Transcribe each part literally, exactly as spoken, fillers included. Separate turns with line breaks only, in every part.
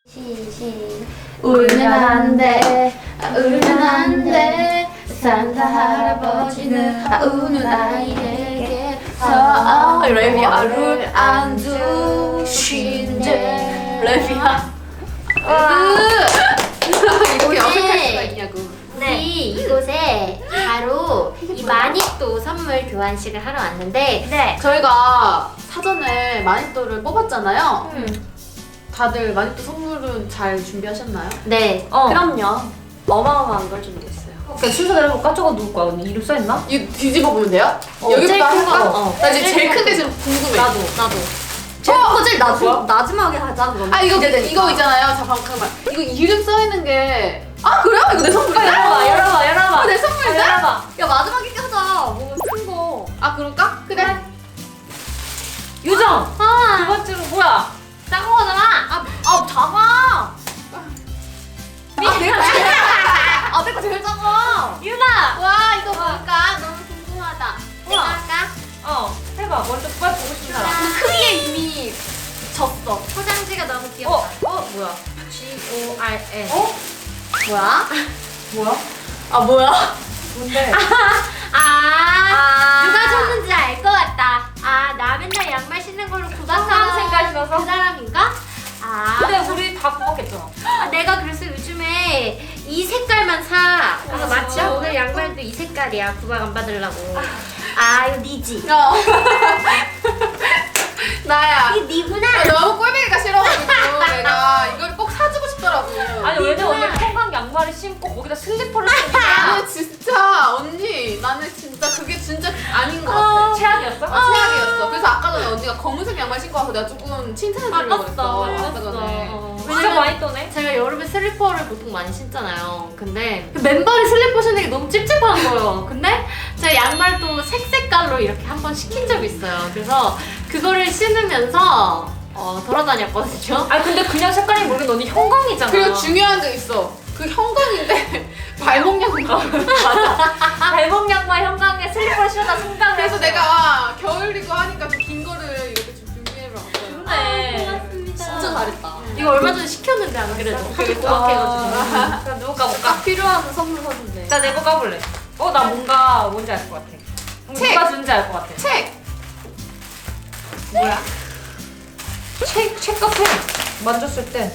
시시 울면 안돼 울면 안돼 산타 할아버지는 아, 우는 아이에게
랩이야.
안 주신대
랩이야. 이렇게 어색할 수가 있냐고.
네, 이곳에 바로 이 마니또 선물 교환식을 하러 왔는데
네. 저희가 사전에 마니또를 뽑았잖아요.
음.
다들 마니또 선물은 잘 준비하셨나요?
네,
어.
그럼요.
어마어마한 걸 준비했어요. 그러니까 순서대로 해볼까? 저거 누구 거야? 언니 이름 써있나?
이거 뒤집어 보면 돼요?
어,
여기부터
제일 큰 거.
할까?
어.
나 이제
제일
제일
큰
큰 게 지금 궁금해.
나도.
나도
제일
어!
큰 제일 나중,
뭐야?
마지막에 하자 그러면.
아 이거
기대되니까.
이거 있잖아요. 자 잠깐만. 이거 이름 써 있는 게. 아 그래요? 이거 내 선물이야?
열어봐 열어봐 열어봐.
어, 내 선물이야?
열어봐. 야 마지막에 하자. 뭔가 큰 거.
아 그럴까? 그래.
유정. 두
아,
번째로 뭐야?
작은 거잖아.
아, 아 작아.
아 내가
아 내가 제일 작아.
유나.
와 이거 뭘까? 너무 궁금하다.
내가
우와.
할까?
어 해봐. 먼저 빨리 보고 싶은 사람.
크기에 이미 졌어.
포장지가 너무
어?
귀엽다.
어 뭐야?
G O R N.
어?
뭐야?
뭐야?
아 뭐야?
뭔데?
아,
아.
누가 줬는지 알 것 같다. 아, 나 맨날 양말 신는 걸로 구박하는
색깔 신어서?
그 사람인가? 아,
근데 우리 다 구박했잖아.
아, 내가 그래서 요즘에 이 색깔만 사. 그래서
아,
마침
진짜?
오늘 양말도 이 색깔이야. 구박 안 받으려고. 아, 이거 니지.
어. 나야.
이게 니구나.
아, 너무 꼴보기가 싫어가지고 내가 이걸 꼭 사주고 싶더라고.
아니 왜냐면 오늘 평강 양말을 신고 거기다 슬리퍼를 신니까
나는 진짜 언니 나는 진짜 그게 진짜 아닌 것 같아.
최악이었어?
아, 최악이었어. 그래서 아까 전에 언니가 검은색 양말 신고 와서 내가 조금 칭찬해주려고
아깝다.
그랬어. 아까 전에.
어.
진짜
왜냐면
많이 떠네.
제가 여름에 슬리퍼를 보통 많이 신잖아요. 근데 그 맨발에 슬리퍼 신는 게 너무 찝찝한 거예요. 근데 제가 양말도 색색깔로 이렇게 한번 시킨 적이 있어요. 그래서 그거를 신으면서 어, 돌아다녔거든요.
아니 근데 그냥 색깔이 모르겠는데 언니 형광이잖아.
그리고 중요한 게 있어. 그 형광인데 발목 양말.
맞아. 발목 양말 형광에 슬리퍼를 신었다 성강을
그래서
했어.
내가 겨울이고 하니까 좀 긴 거를 이렇게 좀 준비해봤어요.
네.
고맙습니다.
진짜 잘했다.
이거 얼마 전에 시켰는데 안 그래도 하도
그러니까.
고맙해가지고.
그럼 누구 까볼까?
딱 필요한 선물 사준대.
나 내 거 까볼래. 어 나 뭔가 뭔지 알 것 같아.
책!
누가 준지 알 것 같아.
책!
뭐야? 책, 책 같아. 만졌을 때.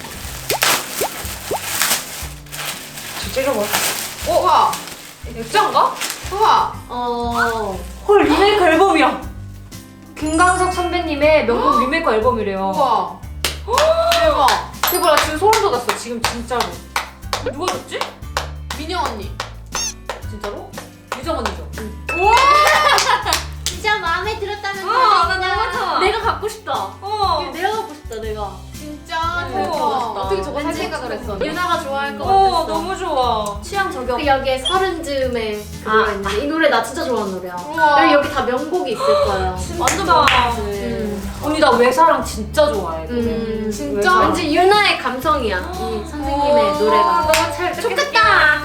저 찔러봐.
어, 우와!
액자인가?
우와!
어.
헐 리메이크 앨범이야. 김광석 선배님의 명곡 리메이크 앨범이래요.
우와! 대박!
대박 나 지금 소름 돋았어. 지금 진짜로. 누가 줬지?
민영 언니.
진짜로? 유정 언니죠.
우와!
진짜 마음에 들었다면
아, 나
다행이다.
너무 좋아.
내가 갖고 싶다.
어.
이거 내가 갖고 싶다 내가.
진짜
오,
대박.
멋있다.
어떻게 저거 살
왠지
생각을 했어?
유나가 좋아할 것
어
같았어.
너무 좋아.
취향 저격. 그 여기에 서른 즈음에 그
아.
노래 있는데 이 노래 나 진짜 좋아하는 노래야.
우와.
그리고 여기 다 명곡이 있을 거예요.
완전
음.
음. 언니 나 외사랑 진짜 좋아해.
음,
진짜?
외사랑.
왠지 유나의 감성이야. 이 선생님의
오.
노래가.
너무 잘
좋겠다.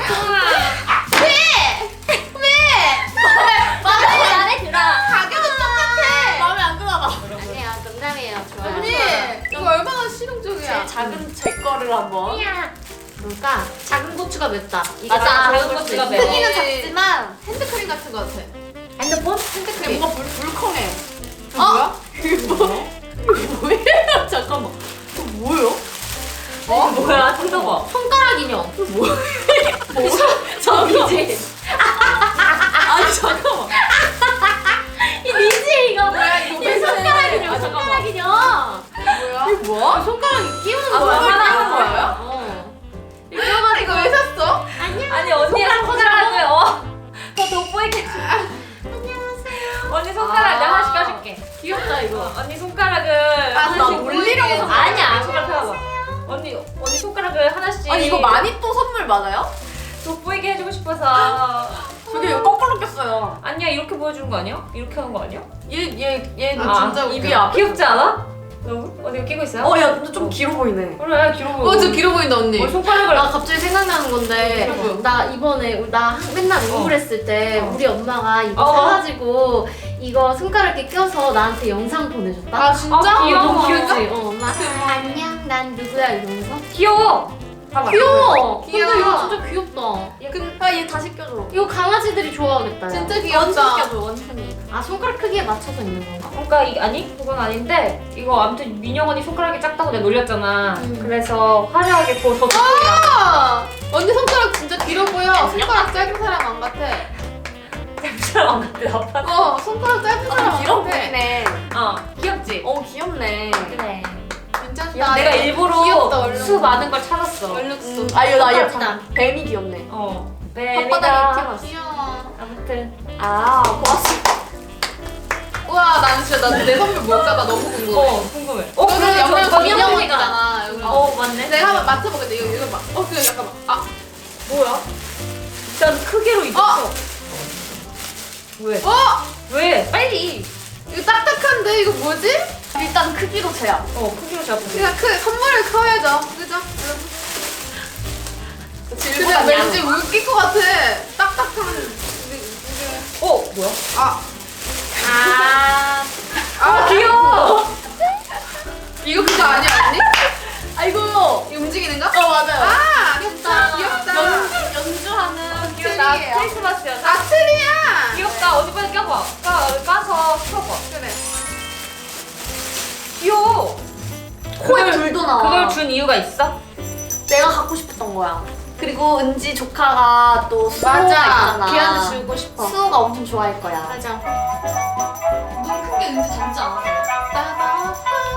마음에 마음에 들어.
가격은 똑같아! 마음에 안 드나 봐.
아니야 농담이에요. 좋아요.
언니! 이거 얼마나 실용적이야.
작은 제 거를 한번.
이야. 뭘까? 작은 고추가 맵다. 이게
맞아,
다
작은
먹을 수
고추가
있어.
매워.
크기는 작지만 핸드크림 같은 거 같아.
핸드폰?
핸드크림 뭔가 물, 물컹해. 이거
어?
뭐야? 이게 뭐? 이거 뭐야? 잠깐만. 이거 뭐예요?
어? 뭐야? 뜯어봐.
손가락 인형.
뭐야?
저기지.
아니 잠깐만.
이 니지 이거.
뭐야 이거
이
왜
손가락
이래?
인형.
아, 잠깐만.
손가락 인형.
뭐야? 이거 뭐야?
손가락 끼우는
아,
거야.
손가락 끼우는
하나.
거예요?
어.
아, 이거 왜 샀어?
안녕.
아니 언니의
손가락
손가락을 어. 더 돋보이게.
안녕하세요.
언니 손가락 내가 하나씩 껴줄게.
귀엽다 이거.
언니 손가락을
아, 나
하나씩
놀리려고
보이게.
산
아니야 손가락 펴봐. 언니 언니 손가락을 하나씩.
아니 이거 마니또 선물 맞아요?
돋보이게 해주고 싶어서.
저게 이거 거꾸로 꼈어요.
아니야 이렇게 보여주는 거 아니야? 이렇게 하는 거 아니야?
얘얘 얘는
아,
진짜 웃겨.
입이 아 귀엽지 않아? 너무? 언니 이거 끼고 있어요?
어야 근데 좀 길어 보이네.
그래 길어 보여.
어 저 길어 보인다 언니.
어, 손가락을
나 갑자기 생각나는 건데
여러분.
나 이번에 나 맨날 우울했을 때
어.
우리 엄마가 이거
어.
사가지고 이거 손가락에 껴서 나한테 영상 보내줬다.
아 진짜?
아, 귀여워.
너무 귀엽지? 어, 엄마. 안녕, 난 누구야 이러면서.
귀여워. 봐봐.
귀여워.
귀여워.
근데 이거 진짜 귀엽다.
아, 얘 다시 껴줘.
이거 강아지들이 좋아하겠다. 야.
진짜
원숭이
귀엽다.
껴줘, 원숭이.
아 손가락 크기에 맞춰서 있는 건가?
그러니까 이 아니 그건 아닌데 이거 아무튼 민영 언니 손가락이 작다고 내가 놀렸잖아.
음.
그래서 화려하게 그거 더 좋더라.
아, 언니 손가락 진짜 길어 보여. 손가락 짧은 사람 안 같아.
사람 안 같아 아빠.
어, 손가락 짧은 사람 안
길어
같아.
보이네.
어 귀엽지.
어, 귀엽네.
그래.
괜찮다.
내가 일부러
귀엽다, 얼룩.
수 많은 걸 찾았어.
얼룩수.
음, 아, 이거 나
귀엽다.
약간 뱀이 귀엽네.
어.
혓바닥에
뱀이다.
튀어났어.
귀여워.
아무튼
아, 고맙습니다.
우와, 나는 진짜 나 내 선물 뭘까 나 너무 궁금해.
어 궁금해. 어
너는
그래
영양
저
민영
민영
언니잖아. 여기.
어 맞네.
내가 한번 맞춰보겠다. 이거 이거 봐. 어, 그 잠깐만. 아,
뭐야? 일단 크기로 입었어. 왜?
어,
왜? 빨리.
이거 딱딱한데 이거 뭐지?
일단 크기로 제압.
어 크기로 잡고.
그냥 크 선물을 커야죠. 그죠? 그냥 왠지 웃길 것 같아. 딱딱한. 이게- 이게-
어 뭐야?
아,
아,
아
귀여워.
이거 그거 아니야 언니?
아이고.
이 움직이는 거?
어, 맞아요.
아, 귀엽다. 귀엽다.
연, 연주하는
귀엽다.
트리예요.
크리스마스였나?
아, 트리야.
귀엽다. 어디 빨리 껴봐. 까 까서 펴봐.
그래.
귀여워.
코에
그걸-
불도 나와.
그걸 준 이유가 있어?
내가 갖고 싶었던 거야. 그리고 은지 조카가 또 수호가
맞아.
있잖아.
걔한테 주고 싶어.
수호가 엄청 좋아할 거야.
맞아.
눈 큰 게 은지 닮지 않아?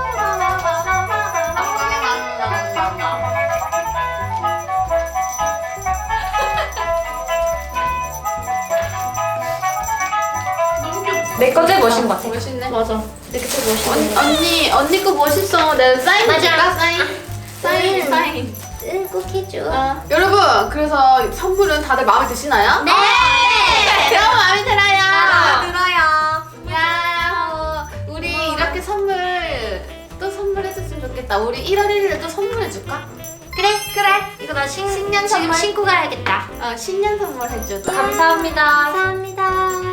내거 제일 멋있는 것 같아.
멋있네.
맞아. 이렇게 또 멋있네.
언니, 언니, 언니 거 멋있어. 내가 사인
맞아.
줄까? 사인. 사인,
음.
사인.
응, 꼭 해줘.
어. 여러분, 그래서 선물은 다들 마음에 드시나요?
네!
너무 마음에 들어요.
아, 들어요.
야, 우리 이렇게 선물 또 선물해줬으면 좋겠다. 우리 일월 일일에 또 선물해줄까?
그래, 그래. 이거 나 신,
신년
지금
선물.
신고 가야겠다.
어, 신년 선물 해줘.
감사합니다.
감사합니다.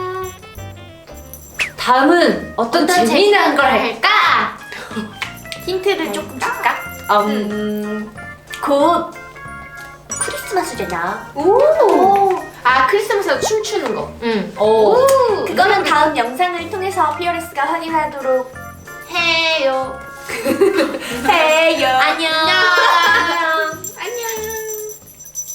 다음은 어떤,
어떤 재미난 걸 할까?
힌트를 조금 줄까?
음,
곧 크리스마스잖아.
오. 아, 크리스마스에 춤추는 거.
응.
오.
그거는 다음 영상을 통해서 피어레스가 확인하도록
해요.
해요.
안녕.
안녕.